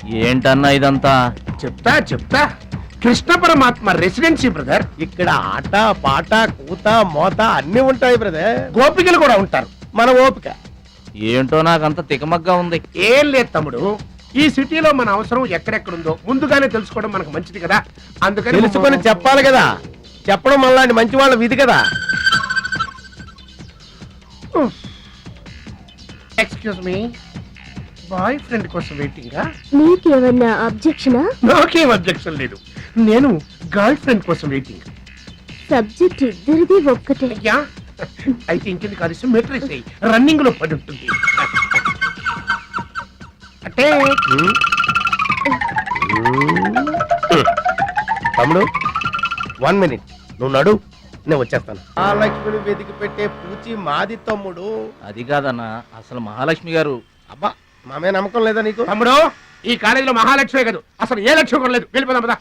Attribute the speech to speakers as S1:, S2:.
S1: ఏంటన్నా ఇదంతా?
S2: చెప్తా చెప్తా. కృష్ణ పరమాత్మ రెసిడెన్సీ బ్రదర్.
S3: ఇక్కడ ఆట పాట కూత మోత అన్ని ఉంటాయి బ్రదర్.
S2: గోపికలు కూడా ఉంటారు.
S3: మన ఓపిక
S1: ఏంటో నాకంత తికమగ్గా ఉంది.
S2: ఏం లేదు తమ్ముడు, ఈ సిటీలో మన అవసరం ఎక్కడెక్కడుందో ముందుగానే తెలుసుకోవడం మనకు మంచిది కదా. అందుకని
S3: తెలుసుకొని చెప్పాలి కదా. చెప్పడం మనలాంటి మంచి వాళ్ళ విధి కదా.
S2: ఎక్స్క్యూజ్ మీ, బాయ్ ఫ్రెండ్ కోసం వెయిటింగా?
S4: నీకేమన్నా అబ్జెక్షనా?
S2: నాకేం అబ్జెక్షన్ లేదు. నేను గర్ల్ ఫ్రెండ్ కోసం వెయిటింగ్.
S4: సబ్జెక్ట్ ఇద్దరిది ఒక్కటే.
S2: అయ్యా అయితే ఇంకెందుకు కాదు, మెట్రిక్ రన్నింగ్ లో పడి ఉంటుంది. అంటే
S3: తమ్ముడు 1 minute నువ్వు నడు, నేను వచ్చేస్తాను. ఆ లక్ష్మిని వెతికి పెట్టే పూచి మాది తమ్ముడు.
S1: అది కాదన్నా, అసలు మహాలక్ష్మి గారు.
S3: అబ్బా మామే నమ్మకం లేదా నీకు?
S2: తమ్ముడు, ఈ కాలేజీలో మహాలక్ష్మే కాదు అసలు ఏ లక్ష్యం కూడా లేదు. వెళ్ళిపోదాం పద.